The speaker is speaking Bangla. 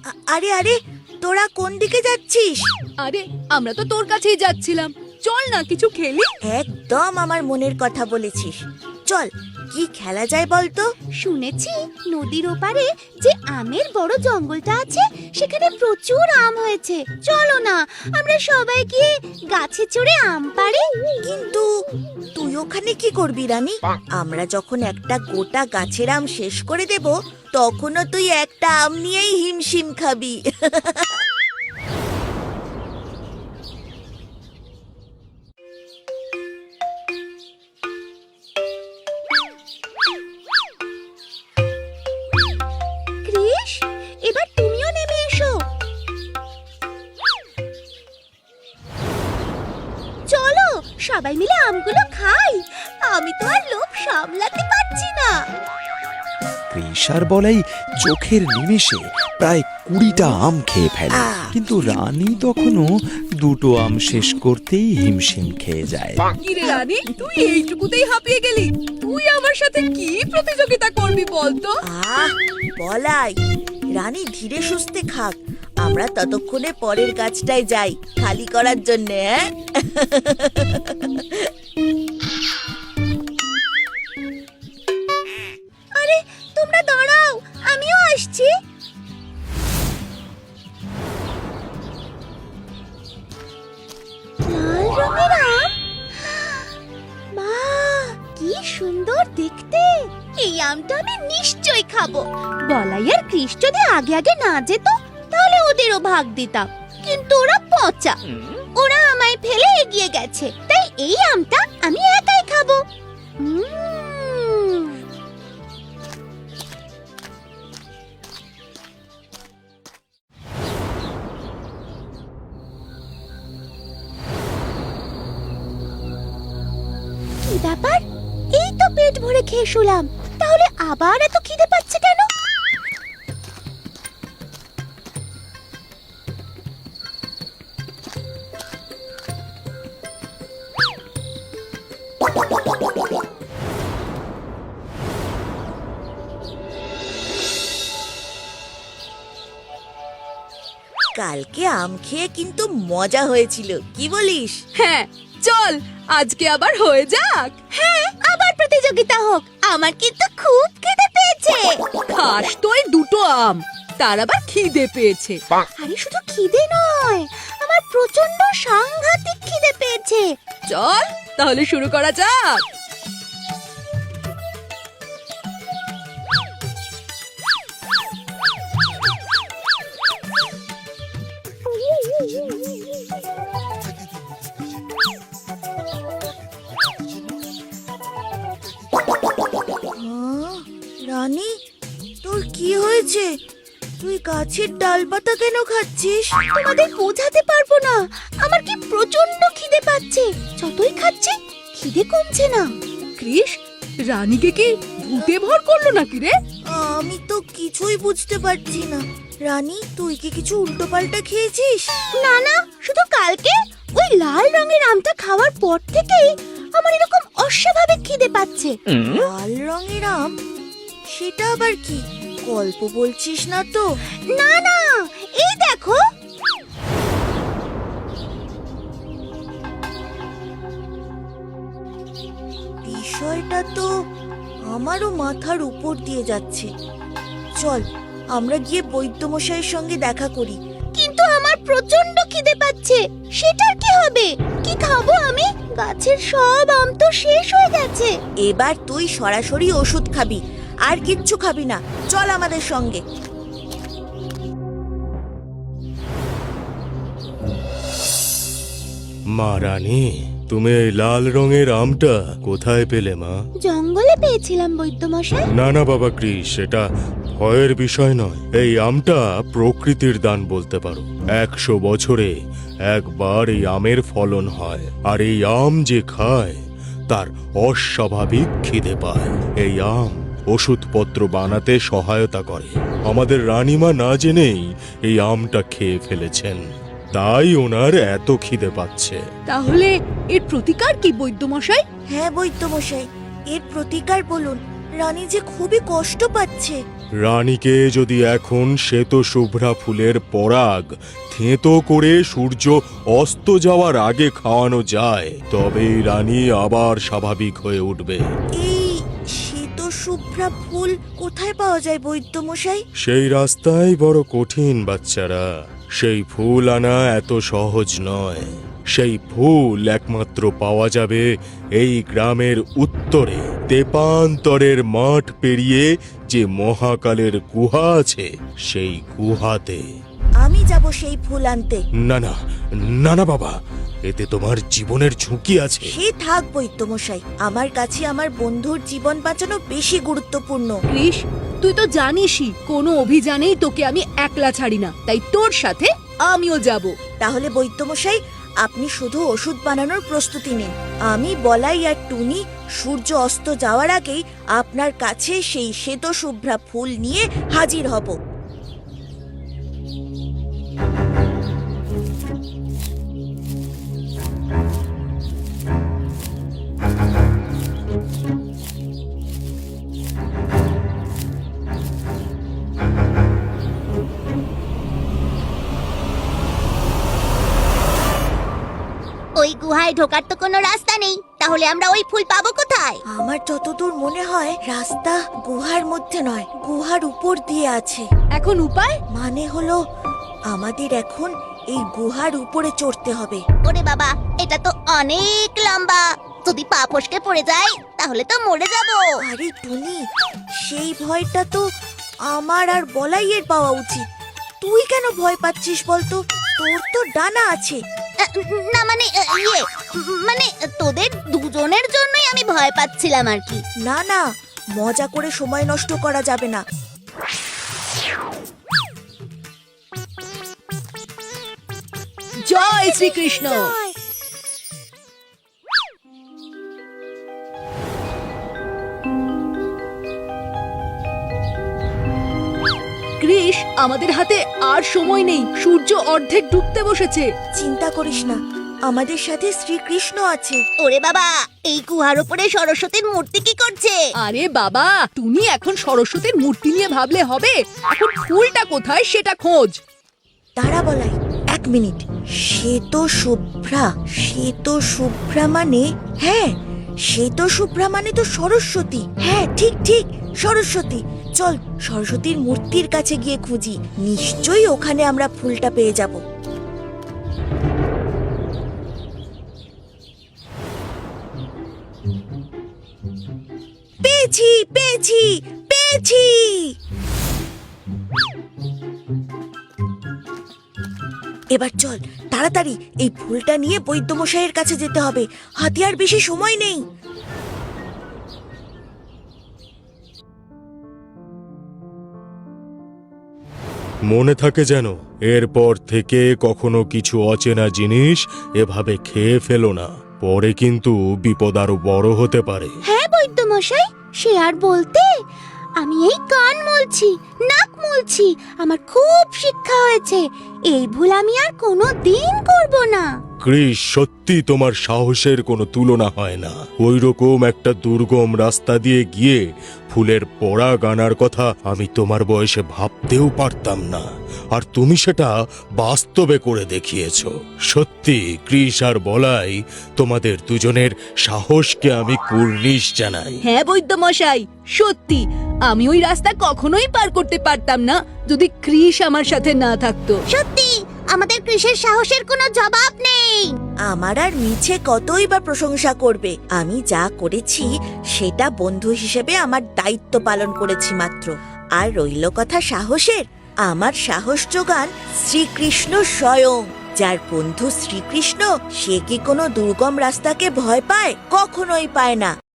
আরে আরে, তোরা কোন দিকে যাচ্ছিস? আরে আমরা তো তোর কাছেই যাচ্ছিলাম, চল না কিছু খেলি। একদম আমার মনের কথা বলেছিস। চল, কি খেলা যায় বলতো? শুনেছি নদীর ওপারে যে আমের বড় জঙ্গলটা আছে সেখানে প্রচুর আম হয়েছে। চলো না আমরা সবাই গিয়ে গাছে চড়ে আম পাড়ি। কিন্তু তুই ওখানে কি করবি রানী? আমরা যখন একটা গোটা গাছের আম শেষ করে দেব, তখনও তুই একটা আম নিয়েই হিমশিম খাবি। কৃষ, এবার তুমিও নেমে এসো। চলো সবাই মিলে আমগুলো খাই। আমি তো আর লোভ সামলাতে পারছি না। কৃষার বলাই চোখের নিমেষে প্রায় 20টা আম খেয়ে ফেলে, কিন্তু রানী তখনও 2টো আম শেষ করতেই হিমশিম খেয়ে যায়। কি রে রানী, তুই এইটুকুতেই হাঁপিয়ে গেলি? তুই আমার সাথে কি প্রতিযোগিতা করবি বলতো? বলাই, রানী ধীরে সুস্থে খাক, আমরা ততক্ষণে পরের গাছটায় যাই খালি করার জন্য। আরে তোমরা দাঁড়াও, আমিও আসছি। লাল রঙের আম, মা কি সুন্দর দেখতে। এই আমটা আমি নিশ্চয়ই খাবো। বলাই আর কৃষ যদি আগে আগে না যেত তাহলে ওদেরও ভাগ দিতাম, কিন্তু ওরা পচা। ওরা আমায় ফেলে এগিয়ে গেছে, তাই এই আমটা আমি একাই খাবো। কি ব্যাপার, এই তো পেট ভরে খেয়ে শুলাম, তাহলে আবার এত খিদে পাচ্ছে কেন? কালকে আম খেয়ে কিন্তু মজা হয়েছিল, কি বলিস? হ্যাঁ চল, আজকে আবার হয়ে যাক। হ্যাঁ, আবার প্রতিযোগিতা হোক। আমার কিন্তু খুব খিদে পেয়েছে। খাস তো এই 2টো আম, তার আবার খিদে পেয়েছে। আরে শুধু খিদে নয়, আমার প্রচন্ড সাংঘাতিক খিদে পেয়েছে। চল তাহলে শুরু করা যাক। রানী, তোর কি হয়েছে? তুই গাছের ডালপাতা কেন খাচ্ছিস? তোমাদের বোঝাতে পারবো না, আমার কি প্রচন্ড খিদে পাচ্ছে। যতই খাচ্ছি খিদে কমছে না। কৃষ, রানীকে কি ভূতে ভর করলো নাকি রে? আমি তো কিছুই বুঝতে পারছি না। রানী, তুই কি কিছু উল্টোপাল্টা খেয়েছিস? না না, শুধু কালকে ওই লাল রঙের আমটা খাওয়ার পর থেকেই আমার এরকম অস্বাভাবিক খিদে পাচ্ছে। লাল রঙের আম? সেটা আবার কি? গল্প বলছিস না তো? না না, এই দেখো। বিষয়টা তো আমারও মাথার উপর দিয়ে যাচ্ছে। চল, আমরা গিয়ে বৈদ্যমশাইয়ের সঙ্গে দেখা করি। কিন্তু আমার প্রচন্ড খিদে পাচ্ছে, সেটার কি হবে? কি খাবো আমি? গাছের সব আম তো শেষ হয়ে গেছে। এবার তুই সরাসরি ওষুধ খাবি, আর কিচ্ছু খাবি না। চল আমাদের সঙ্গে। মা রানী, তুমি এই লাল রঙের আমটা কোথায় পেলে মা? জঙ্গলে পেয়েছিলাম বৈদ্যমশাই। না না বাবা কৃষ, এটা ভয়ের বিষয় নয়। এই আমটা প্রকৃতির দান বলতে পারো। 100 বছরে একবার এই আমের ফলন হয়, আর এই আম যে খায় তার অস্বাভাবিক খিদে পায়। এই আম ওষুধপত্র বানাতে সহায়তা করে। আমাদের রানীমা না জেনেই এই আমটা খেয়ে ফেলেছেন, তাই ওনার এত খিদে পাচ্ছে। তাহলে এর প্রতিকার কি বৈদ্যমশাই? হ্যাঁ বৈদ্যমশাই, এর প্রতিকার বলুন। রানী যে খুবই কষ্ট পাচ্ছে। রানীকে যদি এখন শ্বেত শুভ্রা ফুলের পরাগ থেঁতো করে সূর্য অস্ত যাওয়ার আগে খাওয়ানো যায়, তবেই রানী আবার স্বাভাবিক হয়ে উঠবে। এই শ্বেত শুভ্রা ফুল কোথায় পাওয়া যায় বৈদ্যমশাই? সেই রাস্তাই বড় কঠিন বাচ্চারা। সেই ফুল আনা এত সহজ নয়। সেই ফুল একমাত্র পাওয়া যাবে এই গ্রামের উত্তরে তেপান্তরের মাঠ পেরিয়ে যে মহাকালের গুহা আছে, সেই গুহাতে। আমি যাব সেই ফুল আনতে। না না না না বাবা, এতে তোমার জীবনের ঝুঁকি আছে। সে থাক বৈদ্যমশাই, আমার কাছে আমার বন্ধুর জীবন বাঁচানো বেশি গুরুত্বপূর্ণ। কৃষ, তুই তো জানিসই কোনো অভিযানেই তোকে আমি একলা ছাড়ি না, তাই তোর সাথে আমিও যাব। তাহলে বৈদ্যমশাই, আপনি শুধু ওষুধ বানানোর প্রস্তুতি নিন। আমি বলাই আর টুনি সূর্য অস্ত যাওয়ার আগেই আপনার কাছে সেই শ্বেত শুভ্রা ফুল নিয়ে হাজির হব। ওই গুহায় ঢোকার তো কোনো রাস্তা নেই, তাহলে আমরা ওই ফুল পাবো কোথায়? আমার যতদূর মনে হয় রাস্তা গুহার মধ্যে নয়, গুহার উপর দিয়ে আছে। এখন উপায়? মানে হলো আমাদের এখন এই গুহার উপরে চড়তে হবে। ওরে বাবা, এটা তো অনেক লম্বা, যদি পা ফসকে পড়ে যায় তাহলে তো মরে যাব। আরে টুনি, সেই ভয়টা তো আমার আর বলাইয়ের পাওয়া উচিত। তুই কেন ভয় পাচ্ছিস বলতো? তোর তো ডানা আছে। না মানে মানে তোদের দুজনের জন্যই আমি ভয় পাচ্ছিলাম আর কি। না না, মজা করে সময় নষ্ট করা যাবে না। জয় শ্রীকৃষ্ণ। কৃষ, আমাদের হাতে আর সময় নেই, সূর্য অর্ধেক ডুবতে বসেছে। চিন্তা করিস না, আমাদের সাথে শ্রীকৃষ্ণ আছে। ওরে বাবা, এই গুহার উপরে সরস্বতীর মূর্তি কি করছে? আরে বাবা, তুমি এখন সরস্বতীর মূর্তি নিয়ে ভাবলে হবে? এখন ফুলটা কোথায় সেটা খোঁজ। দাঁড়া বলাই, 1 মিনিট। শ্বেত শুভ্রা, শ্বেত শুভ্রা মানে, হ্যাঁ শ্বেত শুভ্রা মানে তো সরস্বতী। হ্যাঁ ঠিক ঠিক, সরস্বতী। চল সরস্বতীর মূর্তির কাছে গিয়ে খুঁজি, নিশ্চয়ই ওখানে আমরা ফুলটা পেয়ে যাব। পেয়েছি পেয়েছি পেয়েছি। এবার চল তাড়াতাড়ি এই ফুলটা নিয়ে বৈদ্যমশাইয়ের কাছে যেতে হবে, হাতে আর বেশি সময় নেই। মনে থাকে যেন, এরপর থেকে কখনো কিছু অচেনা জিনিস এভাবে খেয়ে ফেলো না, পরে কিন্তু বিপদ আরো বড় হতে পারে। হ্যাঁ বৈদ্যমশাই, সে আর বলতে। আমি এই কান মলছি, নাক মলছি, আমার খুব শিক্ষা হয়েছে। এই ভুল আমি আর কোনো দিন করব না। কৃষ, সত্যি তোমার সাহসের কোনো তুলনা হয় না। ওই রকম একটা দুর্গম রাস্তা দিয়ে গিয়ে ফুলের পরাগ আনার কথা আমি তোমার বয়সে ভাবতেও পারতাম না, আর তুমি সেটা বাস্তবে করে দেখিয়েছ। সত্যি কৃষ আর বলাই, তোমাদের দুজনের সাহসকে আমি কুর্নিশ জানাই। হ্যাঁ বৈদ্যমশাই, সত্যি আমি ওই রাস্তা কখনোই পার করতে পারতাম না যদি কৃষ আমার সাথে না থাকতো। সত্যি আমাদের কৃষের সাহসের কোনো জবাব নেই। আমার আর মিছে কতই বা প্রশংসা করবে। আমি যা করেছি সেটা বন্ধু হিসেবে আমার দায়িত্ব পালন করেছি মাত্র। আর রইল কথা সাহসের, আমার সাহস যোগান শ্রীকৃষ্ণ স্বয়ং। যার বন্ধু শ্রীকৃষ্ণ, সে কি কোনো দুর্গম রাস্তাকে ভয় পায়? কখনোই পায় না।